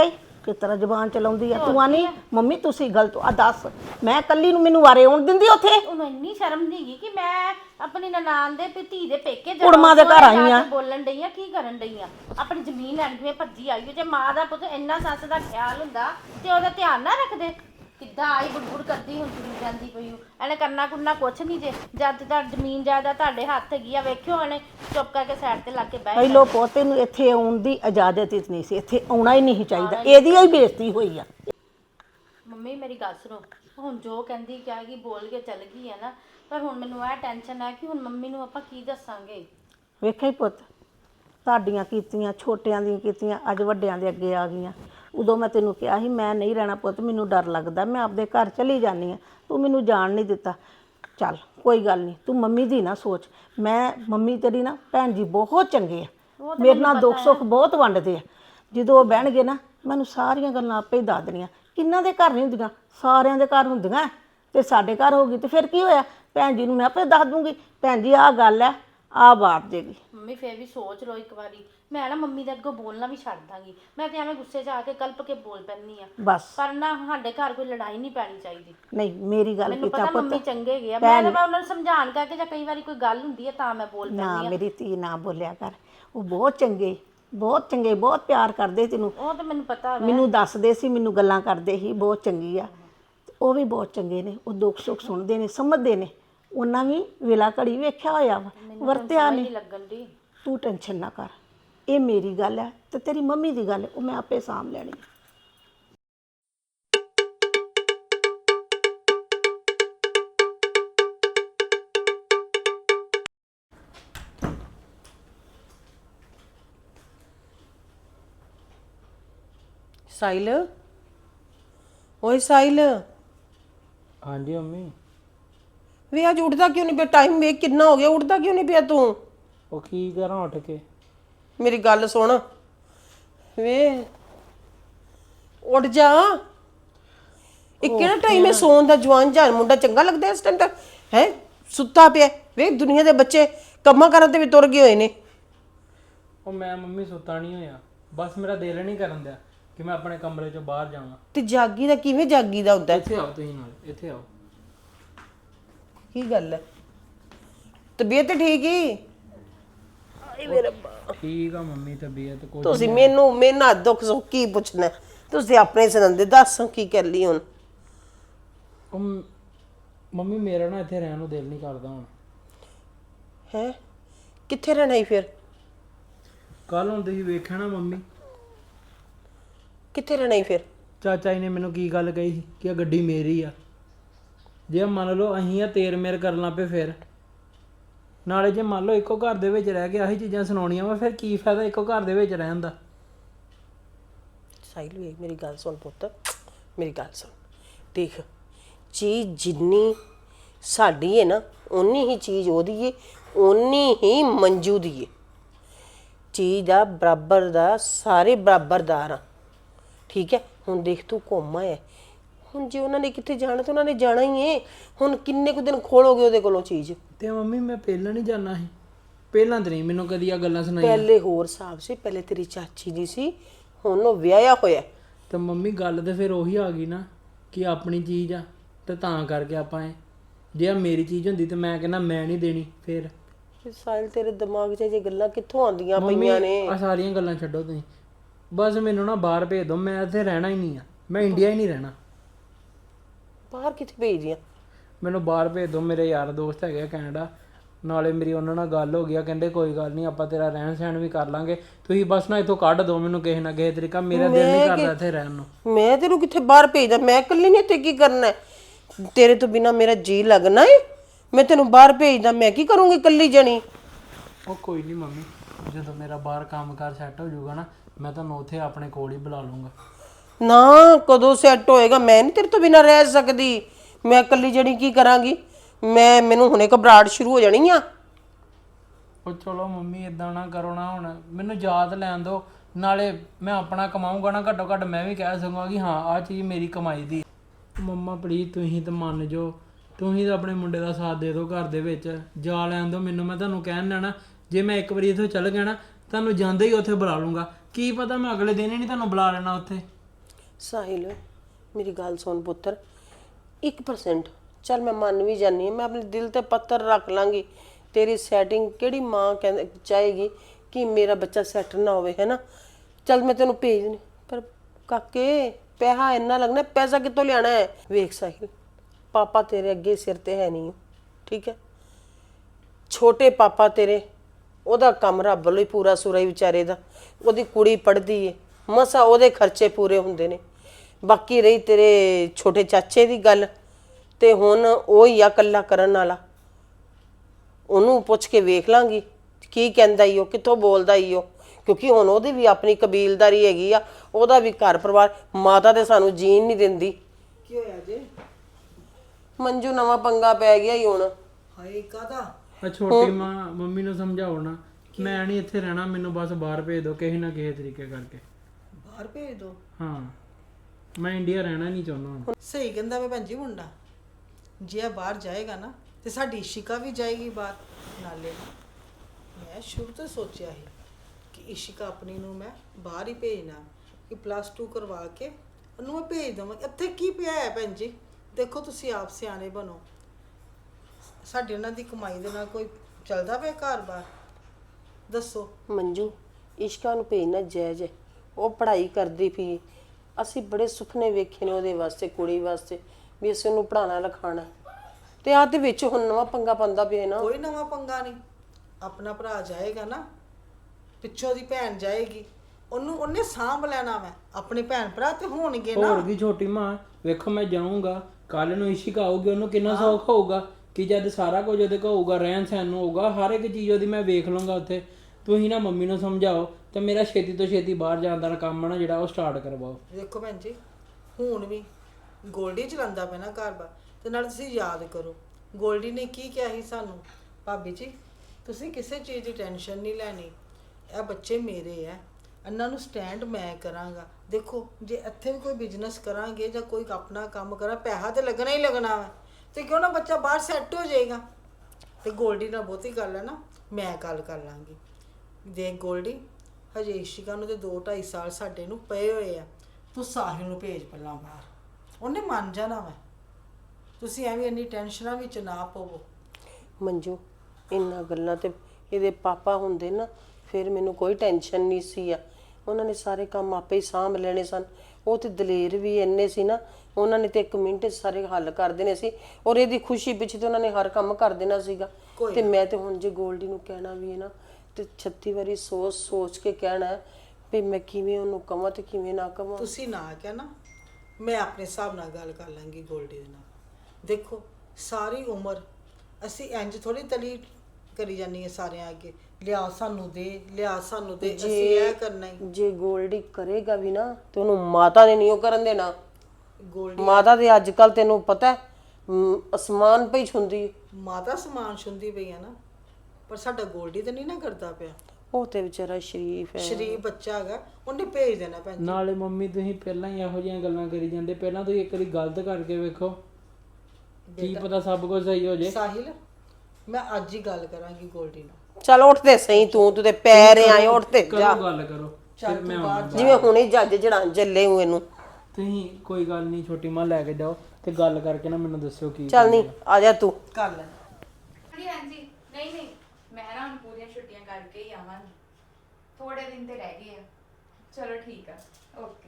ਕਿਸ ਤਰ੍ਹਾਂ ਜ਼ਬਾਨ ਚਲਾਉਂਦੀ ਆ ਤੂੰ ਆਨੀ ਮੰਮੀ ਤੁਸੀਂ ਗਲਤ ਆ ਦੱਸ ਮੈਂ ਕੱਲੀ ਨੂੰ ਮੈਨੂੰ ਵਾਰੇ ਆਉਣ ਦਿੰਦੀ ਉੱਥੇ
ਉਹਨੂੰ ਇੰਨੀ ਸ਼ਰਮ ਨਹੀਂ ਗਈ ਕਿ ਮੈਂ ਆਪਣੀ ਨਨਾਣ ਦੇ ਤੇ ਧੀ ਦੇ ਪੇਕੇ
ਕੁੜਮਾਂ ਦੇ ਘਰ ਆਈ ਆਂ।
ਬੋਲਣ ਡਈ ਆ ਕੀ ਕਰਨ ਡਈ ਆ ਆਪਣੀ ਜ਼ਮੀਨ ਲੈਣ ਕਿਵੇਂ ਭੱਜੀ ਆਈ ਓ। ਜੇ ਮਾਂ ਦਾ ਪੁੱਤ ਇੰਨਾ ਸੱਸ ਦਾ ਖਿਆਲ ਹੁੰਦਾ ਤੇ ਉਹਦਾ ਧਿਆਨ ਨਾ ਰੱਖਦੇ। ਕਿੱਦਾਂ ਆਈ ਬੁੜਬੁੜ ਕਰਦੀ ਹੁਣ ਤੁਰੀ ਜਾਂਦੀ ਪਈ ਓ। ਇਹਨੇ ਕਰਨਾ ਕੁਰਨਾ ਕੁਛ ਨਹੀਂ ਜੇ ਜਦ ਤੱਕ ਜ਼ਮੀਨ ਜਾਇਦਾਦ ਤੁਹਾਡੇ ਹੱਥ ਹੈਗੀ ਆ ਵੇਖਿਓ ਇਹਨੇ ਚੁੱਪ ਕਰਕੇ ਸਾਈਡ ਤੇ ਲਾ ਕੇ ਬਹਿ
ਪਹਿਲੋ ਪੋਤੇ ਨੂੰ ਇੱਥੇ ਆਉਣ ਦੀ ਇਜਾਜ਼ਤ ਹੀ ਨਹੀਂ ਸੀ ਇੱਥੇ ਆਉਣਾ ਹੀ ਨਹੀਂ ਚਾਹੀਦਾ ਇਹਦੀ ਹੀ ਬੇਇੱਜ਼ਤੀ ਹੋਈ ਆ।
ਮੰਮੀ ਮੇਰੀ ਗੱਲ ਸੁਣੋ ਹੁਣ ਜੋ ਕਹਿੰਦੀ ਕਹੇਗੀ ਬੋਲ ਕੇ ਚੱਲ ਗਈ ਹੈ ਨਾ ਪਰ ਹੁਣ ਮੈਨੂੰ ਇਹ ਟੈਨਸ਼ਨ ਹੈ ਕਿ ਹੁਣ ਮੰਮੀ ਨੂੰ ਆਪਾਂ ਕੀ ਦੱਸਾਂਗੇ।
ਵੇਖਿਆ ਹੀ ਪੁੱਤ ਤੁਹਾਡੀਆਂ ਕੀਤੀਆਂ ਛੋਟਿਆਂ ਦੀਆਂ ਕੀਤੀਆਂ ਅੱਜ ਵੱਡਿਆਂ ਦੇ ਅੱਗੇ ਆ ਗਈਆਂ। ਉਦੋਂ ਮੈਂ ਤੈਨੂੰ ਕਿਹਾ ਸੀ ਮੈਂ ਨਹੀਂ ਰਹਿਣਾ ਪੁੱਤ ਮੈਨੂੰ ਡਰ ਲੱਗਦਾ ਮੈਂ ਆਪਦੇ ਘਰ ਚਲੀ ਜਾਂਦੀ ਹਾਂ ਤੂੰ ਮੈਨੂੰ ਜਾਣ ਨਹੀਂ ਦਿੱਤਾ। ਚੱਲ ਕੋਈ ਗੱਲ ਨਹੀਂ ਤੂੰ ਮੰਮੀ ਦੀ ਨਾ ਸੋਚ ਮੈਂ ਮੰਮੀ ਤੇਰੀ ਨਾ ਭੈਣ ਜੀ ਬਹੁਤ ਚੰਗੇ ਆ ਮੇਰੇ ਨਾਲ ਦੁੱਖ ਸੁੱਖ ਬਹੁਤ ਵੰਡਦੇ ਆ। ਜਦੋਂ ਉਹ ਬਹਿਣਗੇ ਨਾ ਮੈਨੂੰ ਸਾਰੀਆਂ ਗੱਲਾਂ ਆਪੇ ਹੀ ਦੱਸ ਦੇਣੀਆਂ। ਕਿੰਨਾਂ ਦੇ ਘਰ ਨਹੀਂ ਹੁੰਦੀਆਂ ਸਾਰਿਆਂ ਦੇ ਘਰ ਹੁੰਦੀਆਂ ਤੇ ਸਾਡੇ ਘਰ ਹੋ ਗਈ ਤੇ ਫਿਰ ਕੀ ਹੋਇਆ ਭੈਣ ਜੀ ਨੂੰ ਮੈਂ ਆਪੇ ਦੱਸ ਦੂੰਗੀ ਭੈਣ ਜੀ ਆਹ ਗੱਲ ਹੈ ਆਹ ਬਾਤ ਜੇਗੀ।
ਮੰਮੀ ਫੇਰ ਵੀ ਸੋਚ ਲਓ ਇੱਕ ਵਾਰੀ ਮੈਂ ਨਾ ਮੰਮੀ ਦੇ ਅੱਗੋਂ ਬੋਲਣਾ ਵੀ ਛੱਡ ਦਾਂਗੀ। ਮੈਂ ਤੇ ਐਵੇਂ ਗੁੱਸੇ 'ਚ ਆ ਕੇ ਕਲਪ ਕੇ ਬੋਲ ਪੈਂਦੀ ਆ
ਬਸ
ਪਰ ਨਾ ਸਾਡੇ ਘਰ ਕੋਈ ਲੜਾਈ ਨਹੀਂ ਪੈਣੀ ਚਾਹੀਦੀ।
ਨਹੀਂ ਮੇਰੀ ਗੱਲ
ਮੈਨੂੰ
ਕੀਤਾ
ਪਤਾ ਮੰਮੀ
ਪੁੱਤ
ਚੰਗੇ ਗਏ ਆ ਮੈਂ ਤਾਂ ਉਹਨਾਂ ਨੂੰ ਸਮਝਾਉਣ ਕਰਕੇ ਜਾਂ ਕਈ ਵਾਰੀ ਕੋਈ ਗੱਲ ਹੁੰਦੀ ਹੈ ਤਾਂ ਮੈਂ ਬੋਲ
ਨਾ
ਪੈਂਦੀ ਆ।
ਮੇਰੀ ਧੀ ਨਾ ਬੋਲਿਆ ਕਰ ਉਹ ਬਹੁਤ ਚੰਗੇ ਬਹੁਤ ਚੰਗੇ ਬਹੁਤ ਪਿਆਰ ਕਰਦੇ ਤੈਨੂੰ
ਉਹ ਤਾਂ ਮੈਨੂੰ ਪਤਾ ਵਾ
ਮੈਨੂੰ ਦੱਸਦੇ ਸੀ ਮੈਨੂੰ ਗੱਲਾਂ ਕਰਦੇ ਸੀ ਬਹੁਤ ਚੰਗੀ ਆ ਉਹ ਵੀ ਬਹੁਤ ਚੰਗੇ ਨੇ ਉਹ ਦੁੱਖ ਸੁੱਖ ਸੁਣਦੇ ਨੇ ਸਮਝਦੇ ਨੇ ਉਹਨਾਂ ਵੀ ਵੇਲਾ ਘੜੀ ਵੇਖਿਆ ਹੋਇਆ ਵਾ ਵਰਤਿਆ
ਨਹੀਂ
ਨੇ
ਲੱਗਣ ਦੀ।
ਤੂੰ ਟੈਨਸ਼ਨ ਨਾ ਕਰ ਇਹ ਮੇਰੀ ਗੱਲ ਹੈ ਤੇ ਤੇਰੀ ਮੰਮੀ ਦੀ ਗੱਲ ਹੈ ਉਹ ਮੈਂ ਆਪੇ ਸਾਂਭ ਲੈਣੀ ਹੈ।
ਸਾਹਿਲ ਓਏ ਸਾਹਿਲ
ਹਾਂਜੀ ਮੰਮੀ
ਵੇ ਅੱਜ ਉੱਠਦਾ ਕਿਉਂ ਨਹੀਂ ਪਿਆ ਟਾਈਮ ਵੇਖ ਕਿੰਨਾ ਹੋ ਗਿਆ ਉੱਠਦਾ ਕਿਉਂ ਨਹੀਂ ਪਿਆ ਤੂੰ।
ਉਹ ਕੀ ਕਰਾਂ ਉੱਠ ਕੇ
ਮੇਰੀ ਗੱਲ ਸੁਣ ਵੇ ਉੱਠ ਜਾ ਇਹ ਕਿਹੜਾ ਟਾਈਮ ਹੈ ਸੌਣ ਦਾ ਜਵਾਨ ਜਾਨ ਮੁੰਡਾ ਚੰਗਾ ਲੱਗਦਾ ਇਸ ਟਾਈਮ ਤੱਕ ਹੈ ਸੁੱਤਾ ਪਿਆ ਵੇ ਦੁਨੀਆ ਦੇ ਬੱਚੇ ਕੰਮਾਂ ਕਰਨ ਤੇ ਵੀ ਤੁਰ ਗਏ ਹੋਏ ਨੇ।
ਉਹ ਮੈਂ ਮੰਮੀ ਸੁੱਤਾ ਨਹੀਂ ਹੋਇਆ ਬਸ ਮੇਰਾ ਦਿਲ ਨਹੀਂ ਕਰਨ ਦਿਆ ਕਿ ਮੈਂ ਆਪਣੇ ਕਮਰੇ ਚੋਂ ਬਾਹਰ ਜਾਵਾਂ।
ਤੇ ਜਾਗੀ ਦਾ ਕਿਵੇਂ ਜਾਗੀ ਦਾ ਹੁੰਦਾ
ਇੱਥੇ ਆਓ ਤੁਸੀਂ ਨਾਲ ਇੱਥੇ ਆਓ।
ਕੀ ਗੱਲ ਹੈ ਤਬੀਅਤ ਠੀਕ ਹੀ
ਠੀਕ ਆ ਮੰਮੀ ਤਬੀਅਤ ਕੋਈ
ਤੁਸੀਂ ਮੈਨੂੰ ਮੇਨਾ ਦੁੱਖ ਸੁੱਖ ਕੀ ਪੁੱਛਣਾ ਤੁਸੀਂ ਆਪਣੇ ਸੁਣਾਉਂਦੇ ਦੱਸ ਕੀ ਕਰ ਲਈ ਹੁਣ।
ਉਹ ਮ- ਮੰਮੀ ਮੇਰਾ ਨਾ ਇੱਥੇ ਰਹਿਣ ਨੂੰ ਦਿਲ ਨਹੀਂ ਕਰਦਾ ਹੁਣ।
ਹੈ ਕਿੱਥੇ ਰਹਿਣਾ ਈ ਫਿਰ
ਕੱਲ ਹੁਣ ਤੁਸੀਂ ਵੇਖਿਆ ਨਾ ਮੰਮੀ
ਕਿੱਥੇ ਰਹਿਣਾ ਈ ਫਿਰ
ਚਾਚਾ ਜੀ ਨੇ ਮੈਨੂੰ ਕੀ ਗੱਲ ਕਹੀ ਸੀ ਕਿ ਇਹ ਗੱਡੀ ਮੇਰੀ ਆ ਜੇ ਮੰਨ ਲਓ ਅਸੀਂ ਆ ਤੇਰ ਮੇਰ ਕਰਨ ਲੱਗ ਪਏ ਫਿਰ ਨਾਲੇ ਜੇ ਮੰਨ ਲਓ ਇੱਕੋ ਘਰ ਦੇ ਵਿੱਚ ਰਹਿ ਕੇ ਆਹੀ ਚੀਜ਼ਾਂ ਸੁਣਾਉਣੀਆਂ ਵਾ ਫਿਰ ਕੀ ਫਾਇਦਾ ਇੱਕੋ ਘਰ ਦੇ ਵਿੱਚ ਰਹਿਣ ਦਾ।
ਸਾਹਿਲ ਵੇਖ ਮੇਰੀ ਗੱਲ ਸੁਣ ਪੁੱਤ ਮੇਰੀ ਗੱਲ ਸੁਣ ਦੇਖ ਚੀਜ਼ ਜਿੰਨੀ ਸਾਡੀ ਹੈ ਨਾ ਓਨੀ ਹੀ ਚੀਜ਼ ਉਹਦੀ ਹੈ ਓਨੀ ਹੀ ਮੰਜੂ ਦੀ ਹੈ। ਚੀਜ਼ ਦਾ ਬਰਾਬਰ ਦਾ ਸਾਰੇ ਬਰਾਬਰਦਾਰ ਆ ਠੀਕ ਹੈ। ਹੁਣ ਦੇਖ ਤੂੰ ਘੁੰਮ ਆਇਆ ਹੁਣ ਜੇ ਉਹਨਾਂ ਨੇ ਕਿੱਥੇ ਜਾਣਾ ਤਾਂ ਉਹਨਾਂ ਨੇ ਜਾਣਾ ਹੀ ਹੈ। ਹੁਣ ਕਿੰਨੇ ਕੁ ਦਿਨ ਖੋਲੋਗੇ ਉਹਦੇ ਕੋਲੋਂ ਚੀਜ਼।
ਤੇ ਮੰਮੀ ਮੈਂ ਪਹਿਲਾਂ ਨਹੀਂ ਜਾਣਾ ਸੀ ਪਹਿਲਾਂ ਤੇ ਨਹੀਂ ਮੈਨੂੰ ਕਦੀ ਆ ਗੱਲਾਂ ਸੁਣਾਈਆਂ।
ਪਹਿਲੇ ਹੋਰ ਹਿਸਾਬ ਸੀ ਪਹਿਲੇ ਤੇਰੀ ਚਾਚੀ ਦੀ ਸੀ ਹੁਣ ਉਹ ਵਿਆਹਿਆ ਹੋਇਆ।
ਤੇ ਮੰਮੀ ਗੱਲ ਤੇ ਫਿਰ ਉਹੀ ਆ ਗਈ ਨਾ ਕਿ ਆਪਣੀ ਚੀਜ਼ ਆ ਤੇ ਤਾਂ ਕਰਕੇ ਆਪਾਂ ਇਹ ਜੇ ਆ ਮੇਰੀ ਚੀਜ਼ ਹੁੰਦੀ ਤੇ ਮੈਂ ਕਹਿੰਦਾ ਮੈਂ ਨਹੀਂ ਦੇਣੀ ਫਿਰ।
ਸਾਹਿਲ ਤੇਰੇ ਦਿਮਾਗ 'ਚ ਜੇ ਗੱਲਾਂ ਕਿੱਥੋਂ ਆਉਂਦੀਆਂ ਪਈਆਂ ਨੇ।
ਆ ਸਾਰੀਆਂ ਗੱਲਾਂ ਛੱਡੋ ਤੁਸੀਂ ਬਸ ਮੈਨੂੰ ਨਾ ਬਾਹਰ ਭੇਜ ਦਿਓ ਮੈਂ ਇੱਥੇ ਰਹਿਣਾ ਹੀ ਨਹੀਂ ਆ ਮੈਂ ਇੰਡੀਆ ਹੀ ਨਹੀਂ ਰਹਿਣਾ।
ਬਾਹਰ ਕਿੱਥੇ ਭੇਜਦੀਆਂ
ਮੈਨੂੰ ਬਾਹਰ ਭੇਜ ਦਿਓ ਮੇਰੇ ਯਾਰ ਦੋਸਤ ਹੈਗੇ ਆ ਕੈਨੇਡਾ ਨਾਲੇ ਮੇਰੀ ਉਹਨਾਂ ਨਾਲ ਗੱਲ ਹੋ ਗਈ ਆ ਕਹਿੰਦੇ ਕੋਈ ਗੱਲ ਨਹੀਂ ਆਪਾਂ ਤੇਰਾ ਰਹਿਣ ਸਹਿਣ ਵੀ ਕਰ ਲਾਂਗੇ ਤੁਸੀਂ ਬਸ ਨਾ ਇੱਥੋਂ ਕੱਢ ਦਿਓ ਮੈਨੂੰ ਕਿਸੇ ਨਾ ਕਿਸੇ ਤਰੀਕਾ ਮੇਰਾ ਦਿਲ ਨਹੀਂ ਕਰਦਾ ਇੱਥੇ ਰਹਿਣ ਨੂੰ।
ਮੈਂ ਤੈਨੂੰ ਕਿੱਥੇ ਬਾਹਰ ਭੇਜਦਾ ਮੈਂ ਇਕੱਲੀ ਨੇ ਤੇ ਕੀ ਕਰਨਾ ਹੈ? ਤੇਰੇ ਤੋਂ ਬਿਨਾ ਮੇਰਾ ਜੀ ਲੱਗਣਾ ਹੈ ਮੈਂ ਤੈਨੂੰ ਬਾਹਰ ਭੇਜਦਾ ਮੈਂ ਕੀ ਕਰੂੰਗੀ ਇਕੱਲੀ ਜਣੀ।
ਉਹ ਕੋਈ ਨਹੀਂ ਮੰਮੀ ਜਦੋਂ ਮੇਰਾ ਬਾਹਰ ਕੰਮਕਾਰ ਸੈੱਟ ਹੋ ਜਾਊਗਾ ਨਾ ਮੈਂ ਤੁਹਾਨੂੰ ਉੱਥੇ ਆਪਣੇ ਕੋਲ ਹੀ ਬੁਲਾ ਲੂੰਗਾ।
ਨਾ ਕਦੋਂ ਸੈੱਟ ਹੋਏਗਾ ਮੈਂ ਨਹੀਂ ਤੇਰੇ ਤੋਂ ਬਿਨਾ ਰਹਿ ਸਕਦੀ ਮੈਂ ਇਕੱਲੀ ਜਣੀ ਕੀ ਕਰਾਂਗੀ ਮੈਂ ਮੈਨੂੰ ਹੁਣੇ ਘਬਰਾਹਟ ਸ਼ੁਰੂ ਹੋ ਜਾਣੀ ਆ।
ਉਹ ਚਲੋ ਮੰਮੀ ਇਦਾਂ ਨਾ ਕਰੋ ਨਾ ਹੁਣ ਮੈਨੂੰ ਯਾਦ ਲੈਣ ਦਿਓ ਨਾਲੇ ਮੈਂ ਆਪਣਾ ਕਮਾਊਂਗਾ ਨਾ ਘੱਟੋ ਘੱਟ ਮੈਂ ਵੀ ਕਹਿ ਸਕੂੰਗਾ ਕਿ ਹਾਂ ਆਹ ਚੀਜ਼ ਮੇਰੀ ਕਮਾਈ ਦੀ। ਮੰਮਾ ਪਲੀਜ਼ ਤੁਸੀਂ ਤਾਂ ਮੰਨ ਜਾਓ ਤੁਸੀਂ ਤਾਂ ਆਪਣੇ ਮੁੰਡੇ ਦਾ ਸਾਥ ਦੇ ਦਿਓ ਘਰ ਦੇ ਵਿੱਚ ਜਾ ਲੈਣ ਦਿਓ ਮੈਨੂੰ ਮੈਂ ਤੁਹਾਨੂੰ ਕਹਿਣ ਦੇਣਾ ਜੇ ਮੈਂ ਇੱਕ ਵਾਰੀ ਇੱਥੋਂ ਚੱਲ ਗਿਆ ਨਾ ਤੁਹਾਨੂੰ ਜਾਂਦੇ ਹੀ ਉੱਥੇ ਬੁਲਾ ਲੂੰਗਾ ਕੀ ਪਤਾ ਮੈਂ ਅਗਲੇ ਦਿਨ ਹੀ ਨਹੀਂ ਤੁਹਾਨੂੰ ਬੁਲਾ ਲੈਣਾ ਉੱਥੇ।
ਸਾਹਿਲ ਮੇਰੀ ਗੱਲ ਸੁਣ ਪੁੱਤਰ, ਇੱਕ ਪਰਸੈਂਟ ਚੱਲ ਮੈਂ ਮੰਨ ਵੀ ਜਾਨੀ ਹਾਂ, ਮੈਂ ਆਪਣੇ ਦਿਲ ਤੇ ਪੱਥਰ ਰੱਖ ਲਾਂਗੀ। ਤੇਰੀ ਸੈਟਿੰਗ ਕਿਹੜੀ ਮਾਂ ਕਹਿੰਦੇ ਚਾਹੇਗੀ ਕਿ ਮੇਰਾ ਬੱਚਾ ਸੈੱਟ ਨਾ ਹੋਵੇ, ਹੈ ਨਾ। ਚੱਲ ਮੈਂ ਤੈਨੂੰ ਭੇਜ ਦਿੰਦੀ, ਪਰ ਕਾਕੇ ਪੈਸਾ ਇੰਨਾ ਲੱਗਣਾ, ਪੈਸਾ ਕਿੱਥੋਂ ਲਿਆਣਾ ਹੈ? ਵੇਖ ਸਾਹਿਲ, ਪਾਪਾ ਤੇਰੇ ਅੱਗੇ ਸਿਰ ਤੇ ਹੈ ਨਹੀਂ, ਠੀਕ ਹੈ। ਛੋਟੇ ਪਾਪਾ ਤੇਰੇ, ਉਹਦਾ ਕੰਮ ਰੱਬ ਵੱਲੋਂ ਹੀ ਪੂਰਾ ਸੂਰਾ ਹੀ ਵਿਚਾਰੇ ਦਾ, ਉਹਦੀ ਕੁੜੀ ਪੜ੍ਹਦੀ ਏ, ਮਸਾ ਉਹਦੇ ਖਰਚੇ ਪੂਰੇ ਹੁੰਦੇ ਨੇ। ਬਾਕੀ ਰਹੀ ਤੇਰੇ ਛੋਟੇ ਚਾਚੇ ਦੀ ਗੱਲ, ਤੇ ਹੁਣ ਉਹ ਹੀ ਆ ਇਕੱਲਾ ਕਰਨ ਵਾਲਾ। ਉਹਨੂੰ ਪੁੱਛ ਕੇ ਵੇਖ ਲਾਂਗੀ ਕੀ ਕਹਿੰਦਾ ਈ ਉਹ, ਕਿੱਥੋਂ ਬੋਲਦਾ ਈ ਉਹ, ਕਿਉਂਕਿ ਹੁਣ ਉਹਦੀ ਵੀ ਆਪਣੀ ਕਬੀਲਦਾਰੀ ਹੈਗੀ ਆ, ਉਹਦਾ ਵੀ ਘਰ ਪਰਿਵਾਰ। ਮਾਤਾ ਤੇ ਸਾਨੂੰ ਜੀਣ ਨਹੀਂ ਦਿੰਦੀ।
ਕੀ ਹੋਇਆ ਜੇ?
ਮੰਜੂ ਨਵਾਂ ਪੰਗਾ ਪੈ ਗਿਆ ਈ ਹੁਣ।
ਹਾਏ ਕਾਦਾ?
ਆ ਛੋਟੀ ਮਾਂ ਮੰਮੀ ਨੂੰ ਸਮਝਾਓ ਨਾ, ਮੈਂ ਨਹੀਂ ਇੱਥੇ ਰਹਿਣਾ, ਮੈਨੂੰ ਬਸ ਬਾਹਰ ਭੇਜ ਦਿਓ ਕਿਸੇ ਨਾ ਕਿਸੇ ਤਰੀਕੇ ਕਰਕੇ।
ਬਾਹਰ ਭੇਜ ਦੋ?
ਹਾਂ, ਮੈਂ ਇੰਡੀਆ ਰਹਿਣਾ ਨਹੀਂ ਚਾਹੁੰਦਾ ਹੁਣ।
ਸਹੀ ਕਹਿੰਦਾ ਵੇ ਭੈਣ ਜੀ ਮੁੰਡਾ। ਜੇ ਇਹ ਬਾਹਰ ਜਾਏਗਾ ਨਾ ਤੇ ਸਾਡੀ ਇਸ਼ਿਕਾ ਵੀ ਜਾਏਗੀ ਬਾਹਰ ਨਾਲੇ। ਮੈਂ ਸ਼ੁਰੂ ਤੋਂ ਸੋਚਿਆ ਸੀ ਕਿ ਇਸ਼ਿਕਾ ਆਪਣੀ ਨੂੰ ਮੈਂ ਬਾਹਰ ਹੀ ਭੇਜਣਾ, ਕਿ ਪਲੱਸ ਟੂ ਕਰਵਾ ਕੇ ਉਹਨੂੰ ਮੈਂ ਭੇਜ ਦੇਵਾਂ। ਇੱਥੇ ਕੀ ਪਿਆ ਹੈ ਭੈਣ ਜੀ? ਦੇਖੋ ਤੁਸੀਂ ਆਪ ਸਿਆਣੇ ਬਣੋ। ਸਾਡੇ ਉਹਨਾਂ ਦੀ ਕਮਾਈ ਦੇ ਨਾਲ ਕੋਈ ਚੱਲਦਾ ਪਿਆ ਘਰ-ਬਾਰ? ਦੱਸੋ।
ਮੰਜੂ, ਇਸ਼ਕਾ ਨੂੰ ਭੇਜਣਾ ਜਾਇਜ਼ ਹੈ, ਉਹ ਪੜ੍ਹਾਈ ਕਰਦੀ ਪਈ। ਅਸੀਂ ਬੜੇ ਸੁਪਨੇ ਵੇਖੇ ਨੇ ਉਹਦੇ ਵਾਸਤੇ, ਕੁੜੀ ਵਾਸਤੇ, ਵੀ ਅਸੀਂ ਉਹਨੂੰ ਪੜ੍ਹਾਉਣਾ ਲਿਖਾਉਣਾ। ਤੇ ਆਹ ਦੇ ਵਿੱਚ ਹੁਣ ਨਵਾਂ ਪੰਗਾ ਪੰਦਾ ਪਿਆ ਨਾ।
ਕੋਈ ਨਵਾਂ ਪੰਗਾ ਨਹੀਂ। ਆਪਣਾ ਭਰਾ ਜਾਏਗਾ ਨਾ, ਪਿੱਛੋਂ ਦੀ ਭੈਣ ਜਾਏਗੀ, ਉਹਨੂੰ ਉਹਨੇ ਸਾਂਭ ਲੈਣਾ। ਮੈਂ ਆਪਣੇ ਭੈਣ ਭਰਾ ਤੇ ਹੋਣਗੇ ਨਾ।
ਹੋਰ ਕੀ ਛੋਟੀ ਮਾਂ, ਵੇਖੋ ਮੈਂ ਜਾਊਂਗਾ, ਕੱਲ ਨੂੰ ਇਸ਼ਿਕਾ ਆਊਗੀ, ਉਹਨੂੰ ਕਿੰਨਾ ਸੌਖ ਹੋਊਗਾ ਕਿ ਜਦ ਸਾਰਾ ਕੁਝ ਉਹਦੇ ਕੋਲ ਹੋਊਗਾ, ਰਹਿਣ ਸਹਿਣ ਨੂੰ ਹੋਊਗਾ, ਹਰ ਇੱਕ ਚੀਜ਼ ਉਹਦੀ ਮੈਂ ਵੇਖ ਲਵਾਂਗਾ ਉੱਥੇ। ਤੁਸੀਂ ਨਾ ਮੰਮੀ ਨੂੰ ਸਮਝਾਓ ਤੇ ਮੇਰਾ ਛੇਤੀ ਤੋਂ ਛੇਤੀ ਬਾਹਰ ਜਾਣ ਦਾ ਕੰਮ ਨਾ ਜਿਹੜਾ ਉਹ ਸਟਾਰਟ ਕਰਵਾਓ।
ਦੇਖੋ ਭੈਣ ਜੀ, ਹੁਣ ਵੀ ਗੋਲਡੀ ਚਲਾਉਂਦਾ ਪਿਆ ਨਾ ਘਰ-ਬਾਰ, ਤੇ ਨਾਲ ਤੁਸੀਂ ਯਾਦ ਕਰੋ ਗੋਲਡੀ ਨੇ ਕੀ ਕਿਹਾ ਸੀ ਸਾਨੂੰ, ਭਾਬੀ ਜੀ ਤੁਸੀਂ ਕਿਸੇ ਚੀਜ਼ ਦੀ ਟੈਨਸ਼ਨ ਨਹੀਂ ਲੈਣੀ, ਇਹ ਬੱਚੇ ਮੇਰੇ ਆ, ਇਹਨਾਂ ਨੂੰ ਸਟੈਂਡ ਮੈਂ ਕਰਾਂਗਾ। ਦੇਖੋ ਜੇ ਇੱਥੇ ਵੀ ਕੋਈ ਬਿਜ਼ਨਸ ਕਰਾਂਗੇ ਜਾਂ ਕੋਈ ਆਪਣਾ ਕੰਮ ਕਰਾਂ, ਪੈਸਾ ਤੇ ਲੱਗਣਾ ਹੀ ਲੱਗਣਾ ਵਾ, ਤੇ ਕਿਉਂ ਨਾ ਬੱਚਾ ਬਾਹਰ ਸੈੱਟ ਹੋ ਜਾਏਗਾ। ਤੇ ਗੋਲਡੀ ਨਾਲ ਬਹੁਤੀ ਗੱਲ ਹੈ ਨਾ, ਮੈਂ ਗੱਲ ਕਰ ਲਾਂਗੀ। ਦੇਖ ਗੋਲਡੀ, ਹਜੇ ਇਸ਼ਿਕਾ ਨੂੰ ਤੇ ਦੋ ਢਾਈ ਸਾਲ ਸਾਡੇ ਨੂੰ ਪਏ ਹੋਏ ਆ, ਤੂੰ ਸਾਹਿਲ ਨੂੰ ਭੇਜ ਪਹਿਲਾਂ ਬਾਹਰ, ਉਹਨੇ ਮੰਨ ਜਾਣਾ ਵਾ। ਤੁਸੀਂ ਐਵੇਂ ਇੰਨੀ ਟੈਨਸ਼ਨਾਂ ਵਿੱਚ ਨਾ ਪਵੋ।
ਮੰਜੂ, ਇੰਨਾ ਗੱਲਾਂ ਤੇ ਇਹਦੇ ਪਾਪਾ ਹੁੰਦੇ ਨਾ, ਫਿਰ ਮੈਨੂੰ ਕੋਈ ਟੈਨਸ਼ਨ ਨਹੀਂ ਸੀ ਆ। ਉਹਨਾਂ ਨੇ ਸਾਰੇ ਕੰਮ ਆਪੇ ਹੀ ਸਾਂਭ ਲੈਣੇ ਸਨ। ਉਹ ਤੇ ਦਲੇਰ ਵੀ ਇੰਨੇ ਸੀ ਨਾ, ਉਹਨਾਂ ਨੇ ਤੇ ਇੱਕ ਮਿੰਟ 'ਚ ਸਾਰੇ ਹੱਲ ਕਰ ਦੇਣੇ ਸੀ, ਔਰ ਇਹਦੀ ਖੁਸ਼ੀ ਪਿੱਛੇ ਤੇ ਉਹਨਾਂ ਨੇ ਹਰ ਕੰਮ ਕਰ ਦੇਣਾ ਸੀਗਾ। ਤੇ ਮੈਂ ਤੇ ਹੁਣ ਜੇ ਗੋਲਡੀ ਨੂੰ ਕਹਿਣਾ ਵੀ ਹੈ ਨਾ, ਤੇ ਛੱਤੀ ਵਾਰੀ ਸੋਚ ਸੋਚ ਕੇ ਕਹਿਣਾ ਹੈ ਵੀ ਮੈਂ ਕਿਵੇਂ ਉਹਨੂੰ ਕਵਾਂ ਤੇ ਕਿਵੇਂ ਨਾ ਕਵਾਂ।
ਤੁਸੀਂ ਨਾ ਕਹਿਣਾ, ਮੈਂ ਆਪਣੇ ਹਿਸਾਬ ਨਾਲ ਗੱਲ ਕਰ ਲਾਂਗੀ ਗੋਲਡੀ ਦੇ ਨਾਲ। ਦੇਖੋ ਸਾਰੀ ਉਮਰ ਅਸੀਂ ਇੰਜ ਥੋੜੀ ਤਲੀ ਕਰੀ ਜਾਨੀ ਹੈ ਸਾਰਿਆਂ ਅੱਗੇ, ਲਿਆ ਸਾਨੂੰ ਦੇ, ਲਿਆ ਸਾਨੂੰ ਦੇ, ਅਸੀਂ ਇਹ ਕਰਨਾ ਹੀ।
ਜੇ ਗੋਲਡੀ ਕਰੇਗਾ ਵੀ ਨਾ ਤੇ ਉਹਨੂੰ ਮਾਤਾ ਨੇ ਨਹੀਂ ਉਹ ਕਰਨ ਦੇਣਾ।
ਗੋਲਡੀ
ਮਾਤਾ ਦੇ ਅੱਜ ਕੱਲ ਤੈਨੂੰ ਪਤਾ ਹੈ ਅਸਮਾਨ ਪਈ ਛੁੰਦੀ।
ਮਾਤਾ ਸਮਾਨ ਛੁੰਦੀ ਪਈ ਆ ਨਾ, ਪਰ ਸਾਡਾ ਗੋਲਡੀ ਤੇ ਨਹੀਂ ਨਾ ਕਰਦਾ ਪਿਆ।
ਉਹ ਤੇ ਵਿਚਾਰਾ ਸ਼ਰੀਫ ਹੈ।
ਸ਼ਰੀਫ ਬੱਚਾ ਹੈਗਾ, ਉਹਨੇ ਭੇਜ ਦੇਣਾ ਭੈਣ ਜੀ।
ਨਾਲੇ ਮੰਮੀ ਤੁਸੀਂ ਪਹਿਲਾਂ ਹੀ ਇਹੋ ਜਿਹੀਆਂ ਗੱਲਾਂ ਕਰੀ ਜਾਂਦੇ, ਪਹਿਲਾਂ ਤੁਸੀਂ ਇੱਕ ਵਾਰੀ ਗਲਤ ਕਰਕੇ ਵੇਖੋ, ਕੀ ਪਤਾ ਸਭ ਕੁਝ ਸਹੀ ਹੋ ਜੇ।
ਸਾਹਿਲ, ਮੈਂ ਅੱਜ ਹੀ ਗੱਲ ਕਰਾਂਗੀ ਗੋਲਡੀ ਨਾਲ।
ਚੱਲ ਉੱਠਦੇ ਸਹੀ, ਤੂੰ ਤੂੰ ਤੇ ਪੈਰ ਆਏ ਉੱਠਦੇ ਜਾ,
ਕਰੋ ਗੱਲ ਕਰੋ, ਫਿਰ ਮੈਂ ਆਉਣਾ।
ਜਿਵੇਂ ਹੁਣੇ ਜੱਜ ਜੜਾਂ ਚੱਲੇ ਹੂੰ ਇਹਨੂੰ।
ਤੁਸੀਂ ਕੋਈ ਗੱਲ ਨਹੀਂ ਛੋਟੀ ਮਾਂ ਲੈ ਕੇ ਜਾਓ ਤੇ ਗੱਲ ਕਰਕੇ ਨਾ ਮੈਨੂੰ ਦੱਸਿਓ ਕੀ
ਚੱਲ ਨਹੀਂ ਆ ਜਾ ਤੂੰ।
ਕਰ ਲੈ।
ਹਾਂਜੀ ਹਾਂਜੀ, ਨਹੀਂ ਨਹੀਂ, ਮੈਂ ਨਾ ਹੁਣ ਪੂਰੀਆਂ ਛੁੱਟੀਆਂ ਕਰਕੇ ਹੀ ਆਵਾਂਗੀ, ਥੋੜੇ ਦਿਨ ਤੇ ਰਹਿ ਗਏ ਆ। ਚਲੋ ਠੀਕ ਆ, ਓਕੇ।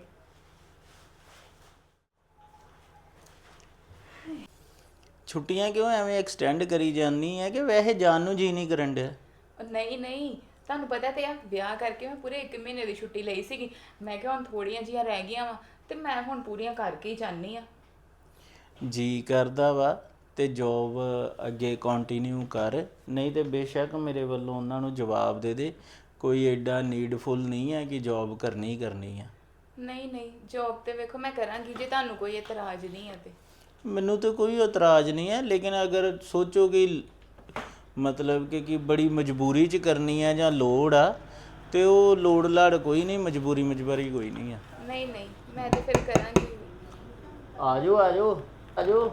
ਛੁੱਟੀਆਂ ਕਿਉਂ ਐਵੇਂ ਐਕਸਟੈਂਡ ਕਰੀ ਜਾਂਦੀ ਹੈ ਕਿ ਵੈਸੇ ਜਾਣ ਨੂੰ ਜੀ ਨਹੀਂ ਕਰਨ ਡਿਆ?
ਨਹੀਂ ਨਹੀਂ, ਤੁਹਾਨੂੰ ਪਤਾ ਤੇ ਆ, ਵਿਆਹ ਕਰਕੇ ਮੈਂ ਪੂਰੇ ਇੱਕ ਮਹੀਨੇ ਦੀ ਛੁੱਟੀ ਲਈ ਸੀਗੀ। ਮੈਂ ਕਿਹਾ ਹੁਣ ਥੋੜੀਆਂ ਜਿਹੀਆਂ ਰਹਿ ਗਈਆਂ ਵਾ ਤੇ ਮੈਂ ਹੁਣ ਪੂਰੀਆਂ ਕਰਕੇ ਹੀ ਜਾਨੀ ਆ।
ਜੀ ਕਰਦਾ ਵਾ ਤੇ ਜੋਬ ਅੱਗੇ ਕੰਟੀਨਿਊ ਕਰ, ਨਹੀਂ ਤੇ ਬੇਸ਼ੱਕ ਮੇਰੇ ਵੱਲੋਂ ਉਹਨਾਂ ਨੂੰ ਜਵਾਬ ਦੇ ਦੇ, ਕੋਈ ਐਡਾ ਨੀਡਫੁਲ ਨਹੀਂ ਹੈ ਕਿ ਜੋਬ ਕਰਨੀ ਹੀ ਕਰਨੀ ਆ।
ਨਹੀਂ ਨਹੀਂ, ਜੋਬ ਤੇ ਵੇਖੋ ਮੈਂ ਕਰਾਂਗੀ, ਜੇ ਤੁਹਾਨੂੰ ਕੋਈ ਇਤਰਾਜ਼ ਨਹੀਂ ਹੈ ਤੇ।
ਮੈਨੂੰ ਤਾਂ ਕੋਈ ਇਤਰਾਜ਼ ਨਹੀਂ ਹੈ, ਲੇਕਿਨ ਅਗਰ ਸੋਚੋ ਕਿ ਮਤਲਬ ਕਿ ਕਿ ਬੜੀ ਮਜਬੂਰੀ 'ਚ ਕਰਨੀ ਹੈ ਜਾਂ ਲੋੜ ਆ, ਤੇ ਉਹ ਲੋੜ ਲਾੜ ਕੋਈ ਨਹੀਂ, ਮਜਬੂਰੀ ਮਜਬੂਰੀ ਕੋਈ ਨਹੀਂ ਆ।
ਨਹੀਂ ਨਹੀਂ, ਮੈਂ ਤੇ ਫਿਰ ਕਰਾਂਗੀ।
ਆ ਜਾਓ ਆ ਜਾਓ ਆ ਜਾਓ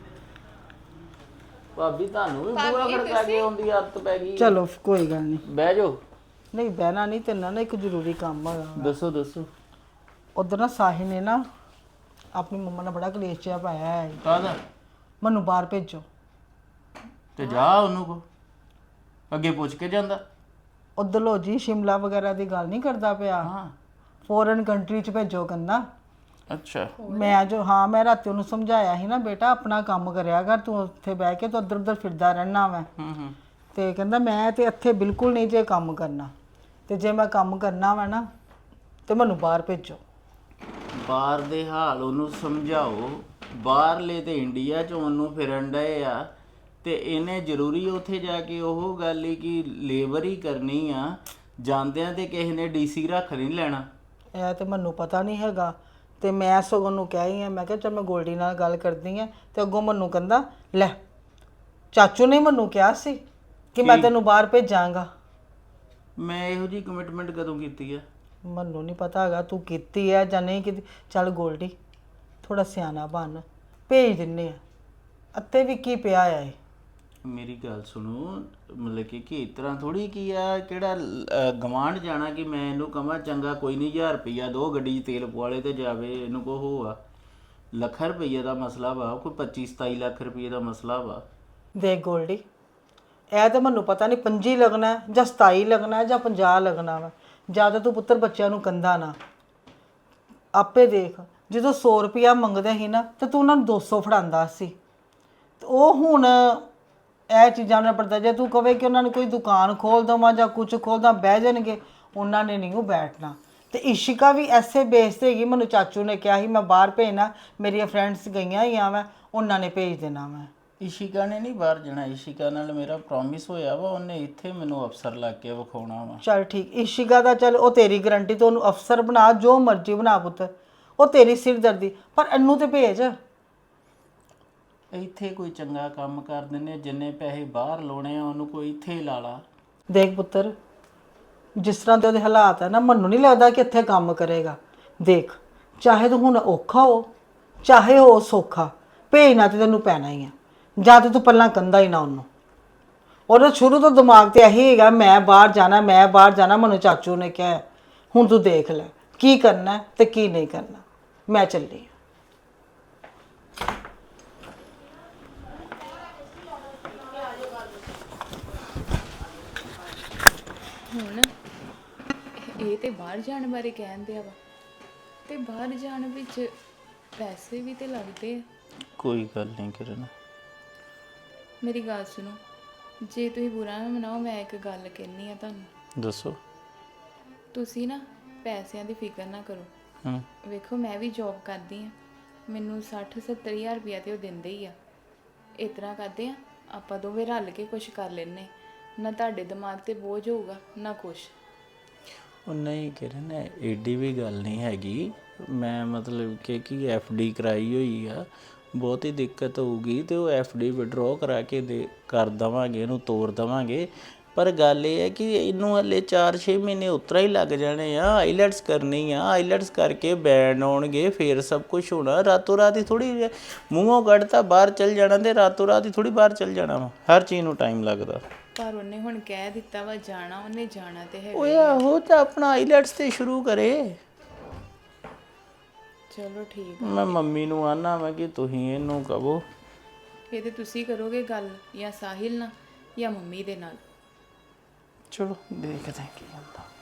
ਭਾਬੀ, ਤੁਹਾਨੂੰ ਵੀ ਬੂਹਾ ਖੜਕਾ ਕੇ ਆਉਂਦੀ ਆਦਤ ਪੈ ਗਈ।
ਚਲੋ ਕੋਈ ਗੱਲ ਨਹੀਂ,
ਬਹਿ ਜਾਓ।
ਨਹੀਂ ਬਹਿਣਾ ਨਹੀਂ, ਤੇ ਨਾ ਇੱਕ ਜ਼ਰੂਰੀ ਕੰਮ ਹੈਗਾ।
ਦੱਸੋ ਦੱਸੋ।
ਉਧਰ ਨਾ ਸਾਹਿਲ ਨੇ ਨਾ ਆਪਣੀ ਮੰਮਾ ਨਾਲ ਬੜਾ ਕਲੇਸ਼ ਜਿਹਾ ਪਾਇਆ ਹੈ।
ਕਾਹਦਾ?
ਮੈਨੂੰ ਬਾਹਰ ਭੇਜੋ।
ਤੇ ਜਾ ਉਹਨੂੰ ਕੋ ਅੱਗੇ ਪੁੱਛ ਕੇ ਜਾਂਦਾ।
ਉਧਰ ਲੋ ਜੀ ਸ਼ਿਮਲਾ ਵਗੈਰਾ ਦੀ ਗੱਲ ਨਹੀਂ ਕਰਦਾ ਪਿਆ,
ਹਾਂ
ਫੋਰਨ ਕੰਟਰੀ ਚ ਭੇਜੋ ਕਹਿੰਦਾ।
ਅੱਛਾ
ਮੈਂ ਜੋ ਹਾਂ ਮੈਂ ਰਾਤੀ ਉਹਨੂੰ ਸਮਝਾਇਆ ਸੀ ਨਾ, ਬੇਟਾ ਆਪਣਾ ਕੰਮ ਕਰਿਆ ਕਰ, ਤੂੰ ਉੱਥੇ ਬਹਿ ਕੇ ਤੂੰ ਇੱਧਰ ਉੱਧਰ ਫਿਰਦਾ ਰਹਿਣਾ ਮੈਂ।
ਹੂੰ ਹੂੰ
ਤੇ ਕਹਿੰਦਾ ਮੈਂ ਤੇ ਇੱਥੇ ਬਿਲਕੁਲ ਨਹੀਂ ਜੇ ਕੰਮ ਕਰਨਾ, ਤੇ ਜੇ ਮੈਂ ਕੰਮ ਕਰਨਾ ਵਾ ਨਾ ਤੇ ਮੈਨੂੰ ਬਾਹਰ ਭੇਜੋ।
ਬਾਹਰ ਦੇ ਹਾਲ ਉਹਨੂੰ ਸਮਝਾਓ। ਬਾਹਰਲੇ ਤੇ ਇੰਡੀਆ ਚ ਉਹਨੂੰ ਫਿਰਨ ਡਏ ਆ ਤੇ ਇਹਨੇ ਜ਼ਰੂਰੀ ਉੱਥੇ ਜਾ ਕੇ ਉਹ ਗੱਲ ਹੀ ਕਿ ਲੇਬਰ ਹੀ ਕਰਨੀ ਆ, ਜਾਂਦਿਆਂ ਤੇ ਕਿਸੇ ਨੇ ਡੀਸੀ ਰੱਖ ਨਹੀਂ ਲੈਣਾ।
ਇਹ ਤੇ ਮੈਨੂੰ ਪਤਾ ਨਹੀਂ ਹੈਗਾ, ਤੇ ਮੈਂ ਸਗੋਂ ਨੂੰ ਕਿਹਾ ਹੀ ਆ, ਮੈਂ ਕਿਹਾ ਚੱਲ ਮੈਂ ਗੋਲਡੀ ਨਾਲ ਗੱਲ ਕਰਦੀ ਆ, ਤੇ ਅੱਗੋਂ ਮੈਨੂੰ ਕਹਿੰਦਾ ਲੈ ਚਾਚੂ ਨੇ ਮੈਨੂੰ ਕਿਹਾ ਸੀ ਕਿ ਮੈਂ ਤੈਨੂੰ ਬਾਹਰ ਭੇਜਾਂਗਾ।
ਮੈਂ ਇਹੋ ਜੀ ਕਮਿਟਮੈਂਟ ਕਦੋਂ ਕੀਤੀ ਆ?
ਮੈਨੂੰ ਨਹੀਂ ਪਤਾ ਹੈਗਾ ਤੂੰ ਕੀਤੀ ਹੈ ਜਾਂ ਨਹੀਂ ਕੀਤੀ। ਚੱਲ ਗੋਲਡੀ ਥੋੜਾ ਸਿਆਣਾ ਬਣ, ਭੇਜ ਦਿੰਨੇ ਆ, ਅੱਤੇ ਵੀ ਕੀ ਪਿਆ ਆ ਇਹ।
ਮੇਰੀ ਗੱਲ ਸੁਣੋ, ਮਤਲਬ ਕਿ ਕਿ ਇਸ ਤਰ੍ਹਾਂ ਥੋੜੀ ਕੀ ਆ ਕਿਹੜਾ ਗਵਾਂਢ ਜਾਣਾ ਕਿ ਮੈਂ ਇਹਨੂੰ ਕਹਾਂ ਚੰਗਾ ਕੋਈ ਨਹੀਂ ਹਜ਼ਾਰ ਰੁਪਈਆ ਦੋ ਗੱਡੀ 'ਚ ਤੇਲ ਪਵਾਲੇ ਤੇ ਜਾਵੇ, ਇਹਨੂੰ ਕੋ ਹੋਆ ਲੱਖ ਰੁਪਈਏ ਦਾ ਮਸਲਾ ਵਾ, ਕੋਈ ਪੱਚੀ ਸਤਾਈ ਲੱਖ ਰੁਪਈਏ ਦਾ ਮਸਲਾ ਵਾ।
ਦੇਖ ਗੋਲਡੀ ਇਹ ਤਾਂ ਮੈਨੂੰ ਪਤਾ ਨਹੀਂ ਪੰਜੀ ਲੱਗਣਾ ਜਾਂ ਸਤਾਈ ਲੱਗਣਾ ਜਾਂ ਪੰਜਾਹ ਲੱਗਣਾ ਵਾ, ਜ਼ਿਆਦਾ ਤੂੰ ਪੁੱਤਰ ਬੱਚਿਆਂ ਨੂੰ ਕੰਦਾ ਨਾ। ਆਪੇ ਦੇਖ ਜਦੋਂ ਸੌ ਰੁਪਇਆ ਮੰਗਦੇ ਸੀ ਨਾ ਤੇ ਤੂੰ ਉਹਨਾਂ ਨੂੰ ਦੋ ਸੌ ਫੜਾਉਂਦਾ ਸੀ, ਤੇ ਉਹ ਹੁਣ ਇਹ ਚੀਜ਼ਾਂ ਨਾਲ ਪੜਦਾ। ਜੇ ਤੂੰ ਕਵੇ ਕਿ ਉਹਨਾਂ ਨੂੰ ਕੋਈ ਦੁਕਾਨ ਖੋਲ ਦੇਵਾਂ ਜਾਂ ਕੁਝ ਖੋਲਦਾ ਬਹਿ ਜਾਣਗੇ, ਉਹਨਾਂ ਨੇ ਨਹੀਂ ਉਹ ਬੈਠਣਾ। ਤੇ ਇਸ਼ਿਕਾ ਵੀ ਐਸੇ ਬੇਸ ਤੇ ਹੈਗੀ, ਮੈਨੂੰ ਚਾਚੂ ਨੇ ਕਿਹਾ ਸੀ ਮੈਂ ਬਾਹਰ ਭੇਜਣਾ, ਮੇਰੀਆਂ ਫਰੈਂਡਸ ਗਈਆਂ ਹੀ ਆ, ਮੈਂ ਉਹਨਾਂ ਨੇ ਭੇਜ ਦੇਣਾ। ਮੈਂ
ਇਸ਼ਿਕਾ ਨੇ ਨਹੀਂ ਬਾਹਰ ਜਾਣਾ, ਇਸ਼ਿਕਾ ਨਾਲ ਮੇਰਾ ਪ੍ਰੋਮਿਸ ਹੋਇਆ ਵਾ, ਉਹਨੇ ਇੱਥੇ ਮੈਨੂੰ ਅਫਸਰ ਲੱਗ ਕੇ ਵਿਖਾਉਣਾ ਵਾ।
ਚੱਲ ਠੀਕ, ਇਸ਼ਿਕਾ ਦਾ ਚੱਲ ਉਹ ਤੇਰੀ ਗਰੰਟੀ, ਤੋਂ ਉਹਨੂੰ ਅਫਸਰ ਬਣਾ ਜੋ ਮਰਜ਼ੀ ਬਣਾ ਪੁੱਤ, ਉਹ ਤੇਰੀ ਸਿਰਦਰਦੀ, ਪਰ ਇਹਨੂੰ ਤੇ ਭੇਜ।
ਇੱਥੇ ਕੋਈ ਚੰਗਾ ਕੰਮ ਕਰ ਦਿੰਦੇ, ਜਿੰਨੇ ਪੈਸੇ ਬਾਹਰ ਲਾਉਣੇ ਆ ਉਹਨੂੰ ਕੋਈ ਇੱਥੇ ਹੀ ਲਾ ਲਾ।
ਦੇਖ ਪੁੱਤਰ ਜਿਸ ਤਰ੍ਹਾਂ ਦੇ ਉਹਦੇ ਹਾਲਾਤ ਹੈ ਨਾ, ਮੈਨੂੰ ਨਹੀਂ ਲੱਗਦਾ ਕਿ ਇੱਥੇ ਕੰਮ ਕਰੇਗਾ। ਦੇਖ ਚਾਹੇ ਤੂੰ ਹੁਣ ਔਖਾ ਹੋ ਚਾਹੇ ਹੋ ਸੌਖਾ, ਭੇਜਣਾ ਤੇ ਤੈਨੂੰ ਪੈਣਾ ਹੀ ਆ, ਜਾਂ ਤੇ ਤੂੰ ਪਹਿਲਾਂ ਕੰਦਾ ਹੀ ਨਾ ਉਹਨੂੰ। ਉਹਦਾ ਸ਼ੁਰੂ ਤੋਂ ਦਿਮਾਗ ਤੇ ਇਹੀ ਹੈਗਾ ਮੈਂ ਬਾਹਰ ਜਾਣਾ ਮੈਂ ਬਾਹਰ ਜਾਣਾ, ਮੈਨੂੰ ਚਾਚੂ ਨੇ ਕਿਹਾ। ਹੁਣ ਤੂੰ ਦੇਖ ਲੈ ਕੀ ਕਰਨਾ ਤੇ ਕੀ ਨਹੀਂ ਕਰਨਾ। ਮੈਂ ਚੱਲੀ ਹਾਂ।
ਹੁਣ ਇਹ ਤੇ ਬਾਹਰ ਜਾਣ ਬਾਰੇ ਕਹਿੰਦੇ ਆ ਵਾ, ਤੇ ਬਾਹਰ ਜਾਣ ਵਿੱਚ ਪੈਸੇ ਵੀ ਤੇ ਲੱਗਦੇ ਆ।
ਕੋਈ ਗੱਲ ਨਹੀਂ ਕਿਰਨ।
ਮੇਰੀ ਗੱਲ ਸੁਣੋ, ਜੇ ਤੁਸੀਂ ਬੁਰਾ ਨਾ ਮਨਾਓ, ਮੈਂ ਇੱਕ ਗੱਲ ਕਹਿਣੀ ਆ ਤੁਹਾਨੂੰ।
ਦੱਸੋ।
ਤੁਸੀਂ ਨਾ ਪੈਸਿਆਂ ਦੀ ਫਿਕਰ ਨਾ ਕਰੋ।
ਹੂੰ
ਵੇਖੋ ਮੈਂ ਵੀ ਜੌਬ ਕਰਦੀ ਆ, ਮੈਨੂੰ ਸੱਠ ਸੱਤਰ ਹਜ਼ਾਰ ਰੁਪਇਆ ਤੇ ਉਹ ਦਿੰਦੇ ਹੀ ਆ। ਇਸ ਤਰ੍ਹਾਂ ਕਰਦੇ ਆ ਆਪਾਂ ਦੋਵੇਂ ਰਲ ਕੇ ਕੁਝ ਕਰ ਲੈਨੇ, ਨਾ ਤੁਹਾਡੇ ਦਿਮਾਗ ਤੇ ਬੋਝ ਹੋਊਗਾ ਨਾ ਕੁਛ।
ਉਹ ਨਹੀਂ ਕਿਰਨ ਏਡੀ ਵੀ ਗੱਲ ਨਹੀਂ ਹੈਗੀ, ਮੈਂ ਮਤਲਬ ਕਿ ਕੀ ਐਫ ਡੀ ਕਰਾਈ ਹੋਈ ਆ, ਬਹੁਤੀ ਦਿੱਕਤ ਹੋਊਗੀ ਤੇ ਉਹ ਐਫ ਡੀ ਵਿਡਰੋ ਕਰਾ ਕੇ ਦੇ ਕਰ ਦੇਵਾਂਗੇ, ਇਹਨੂੰ ਤੋੜ ਦੇਵਾਂਗੇ। ਪਰ ਗੱਲ ਇਹ ਹੈ ਕਿ ਇਹਨੂੰ ਹਲੇ ਚਾਰ ਛੇ ਮਹੀਨੇ ਉਤਰਾ ਹੀ ਲੱਗ ਜਾਣੇ ਆ, ਆਈਲੈਟਸ ਕਰਨੀ ਆ, ਆਈਲੈਟਸ ਕਰਕੇ ਬੈਂਡ ਆਉਣਗੇ ਫਿਰ ਸਭ ਕੁਝ ਹੋਣਾ। ਰਾਤੋਂ ਰਾਤ ਹੀ ਥੋੜੀ ਮੂੰਹੋਂ ਕੱਢਤਾ ਬਾਹਰ ਚੱਲ ਜਾਣਾ, ਤੇ ਰਾਤੋਂ ਰਾਤ ਹੀ ਥੋੜੀ ਬਾਹਰ ਚੱਲ ਜਾਣਾ ਵਾ, ਹਰ ਚੀਜ਼ ਨੂੰ ਟਾਈਮ ਲੱਗਦਾ।
ਪਰ ਉਹਨੇ ਹੁਣ ਕਹਿ ਦਿੱਤਾ ਵਾ ਜਾਣਾ, ਉਹਨੇ ਜਾਣਾ ਤੇ ਹੈ।
ਓਏ ਆਹੋ ਤਾਂ ਆਪਣਾ ਆਈਲੈਟਸ ਤੇ ਸ਼ੁਰੂ ਕਰੇ।
ਚਲੋ ਠੀਕ।
ਮੈਂ ਮੰਮੀ ਨੂੰ ਆਨਾ ਵਾ ਕਿ ਤੁਸੀਂ ਇਹਨੂੰ ਕਹੋ।
ਇਹ ਤੇ ਤੁਸੀਂ ਕਰੋਗੇ ਗੱਲ, ਜਾਂ ਸਾਹਿਲ ਨਾਲ ਜਾਂ ਮੰਮੀ ਦੇ ਨਾਲ।
ਚਲੋ ਦੇਖਦੇ ਕੀ ਹੁੰਦਾ।